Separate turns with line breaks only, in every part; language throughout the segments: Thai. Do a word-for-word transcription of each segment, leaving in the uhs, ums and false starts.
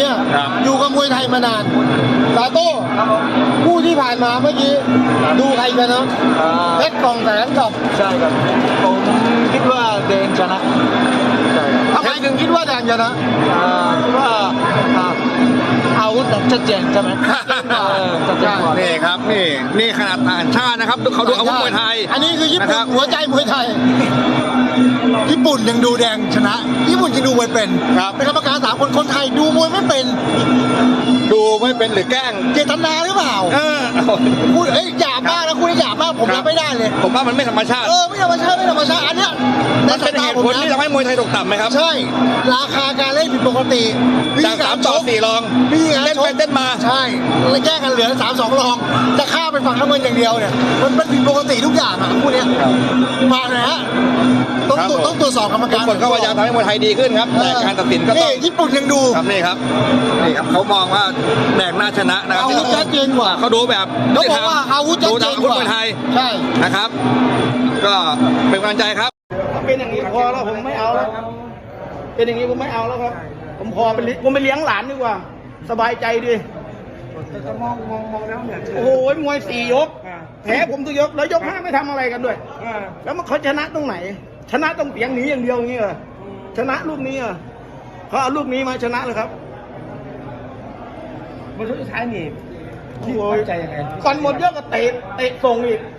เนี่ยอยู่กับมวยไทยมานานสาโต้คู่ที่ผ่านมาเมื่อกี้ดูใครชนะเพชรกองแสนกับ
ใช่ครับผมคิดว่าแดงชนะใช่ครับ
ทำไมถึงคิดว่าแดงชนะ
อ่าคิดว่าอ่าอาวุธแบบชัดเจนใช่ไหมเออชัดเจนกว่า
นี่ครับนี่นี่ขนาดต่างชาตินะครับเขาดูอาวุธมวยไทย
อันนี้คือญี่
นะ
ปุ่
คน รับ
หัวใจมวยไทย ญี่ปุ่นยังดูแดงชนะ ญี่ปุ่นยังดูมวยเป็น
ครับ
เป็นกรรมการสามคนคนไทยดูมวยไม่เป็น
ดูไม่เป็นหรือแกล้ง
เจตนาหรือเปล่า
เออ
พูดเอ้ยหยาบมากนะคุณหยาบมากผม
ครั
รับ บไม่ได้เลย
ผมว่ามันไม่ธรรมชาติ
เออไม่ธรรมชาติไม่ธรรมชาติอันเนี้ย
มันเป็นเหตุผลที่ทำให้มวยไทยตกต่ำไหมครับ
ใช่ ราคาการเล่นผิดปกติวิ
จาก
ธี
สามต่อสี่รอง
วิธีการ
เต้น
ช
ไป
ก
เต้นมา
ใช่แล้วแก้กันเหลือสามสองรอง จะฆ่าไปฝั่งน้ำเงินอย่างเดียวเนี่ยมันเป็นผิดปกติทุกอย่างอ่ะคู่เนี้ยมาเลยฮะต้อง
ครับ
ตรวจ
ผม
ต้องตรวจสอบกรรม
ทุ
กาก ร
คนก็พยายามทำให้มวยไทยดีขึ้นครับ แต่การตัดสินก็ต้อง
นี่ญี่ปุ่นยังดู
ครับนี่ครับนี่ครับเขามองว่าแดงน่าชนะนะครับ
อาวุธชัดเจนกว่า
เขาดูแบบ
เขาบอกว่าอาวุธชัด
ดู
เจ
ทาง
น
อาวุ
ก
ธ
ว่าม
วยไทย
ใช่
นะครับ ก็เป็นกำลังใจครับ
เป็นอย่างนี้พอแล้วผมไม่เอาแล้วเป็นอย่างนี้ผมไม่เอาแล้วครับ ผมพอไปเลี้ยงผมไปเลี้ยงหลานดีกว่า สบายใจดี
จะมองมองมองแล้วเนี่ย
โอ้โหมวยสี่ยกแพ้ผมทุกยกแล้วยกห้าไม่ทำอะไรกันด้วย
อ่า
แล้วมันเขาชนะตรงไหน ชนะตรงเสียงหนีอย่างเดียวอย่างนี้เหรอชนะลูกนี้เหรอเขาเอาลูกนี้มาชนะเลยครับ
มันสุดท้ายนี่ที่
โอ้ย
ตั้งใจยังไง
ก่อนหมดเยอะก็เตะเตะส่งอีก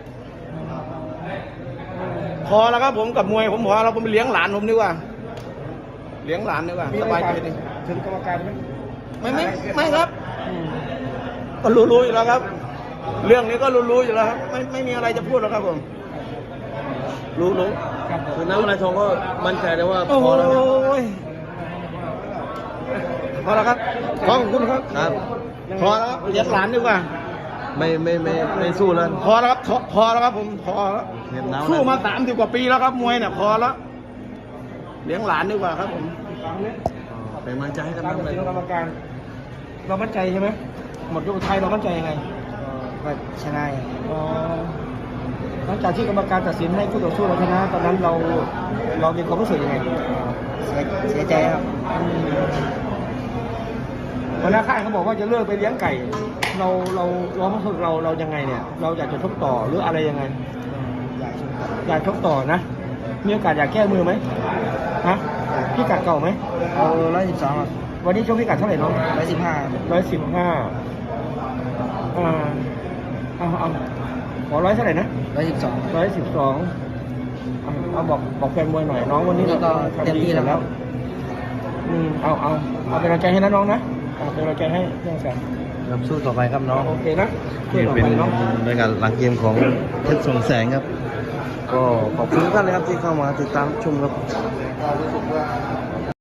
พอแล้วครับผมกับมวยผมพอแล้วผมไปเลี้ยงหลานผมดีกว่า เลี้ยงหลานดีกว่า
มี
ส
อะไร
บายใจ
ฝาก
ดี
ถึงกรรมการไหม
ไม่ไม่ไม่ครับก็รู้ๆอยู่แล้วครับ เรื่องนี้ก็รู้ๆอยู่แล้วครับไม่ไม่มีอะไรจะพูดแล้วครับผมรู้รู้
ครับ
คือน้ำอะไรทองก็มั่นใจเลยว่า
โอ้
พอแล้วนะ
ยพอแล้วครับขอบคุณครับ
ครับ
พอแล้วครับเลี้ยงหลานดีกว่า
ไม่ไม่ไม่ไม่สู้แล้ว
พอแล้วครับพอพอแล้วครับผมพอแล้ว
เห็นน้ำ
สู้มาสามสิบกว่าปีแล้วครับมวยเนี่ยพอแล้วเลี้ยงหลานดีกว่าครับผม
เป็นกำลังใจให้กับ
ตาม
น้ำ
ตั
เล
ด
ย
สินของกรรมการ เรามั่นใจใช่ไหมหมดยกสุดท้ายเรามั่นใจยังไง
ก็ชนะ
อ๋อหลังจากที่กรรมการตัดสินให้คู่ต่อสู้เราชนะ ตอนนั้นเราเรามีความรู้สึกยังไง
เสียใจครับ
หัวหน้าค่ายเขาบอกว่าจะเลิกไปเลี้ยงไก่ เราเราเรารู้สึกเราเรายังไงเนี่ย เราอยากจะชกต่อหรืออะไรยังไง อยากชกต่อนะ มีโอกาสอยากแก้มือไหมฮะพี่กัดเก่าไหม
เอาร้อยสิบสอง
วันนี้ชกพี่กัดเท่าไหร่น้อง
ร้อยสิบห้า
ร้อยสิบห้าอ่าเอาเอาขอร้อยเท่าไหร่นะ
ร้อยสิบสอง
ร้อยสิบสองเอาบอกบอกแฟนมวยหน่อยน้องวันนี้
นี่ก็
ทำ
เต็มที่แล้วครับ
อืมเอาเอาเอาเป็นกำลังใจให้นะน้องนะเอาเป็นกำลังใจให้เรื่องแสน
ครับสู้ต่อไปครับน้อง
โอเคนะช่วย
นี่
ต่อ
เป็น
ไปน้อง
บรรยากาศหลังเกมของเพชรสงแสงครับ ก็ขอบคุณทุกท่านเลยครับที่เข้ามาติดตามชมครับ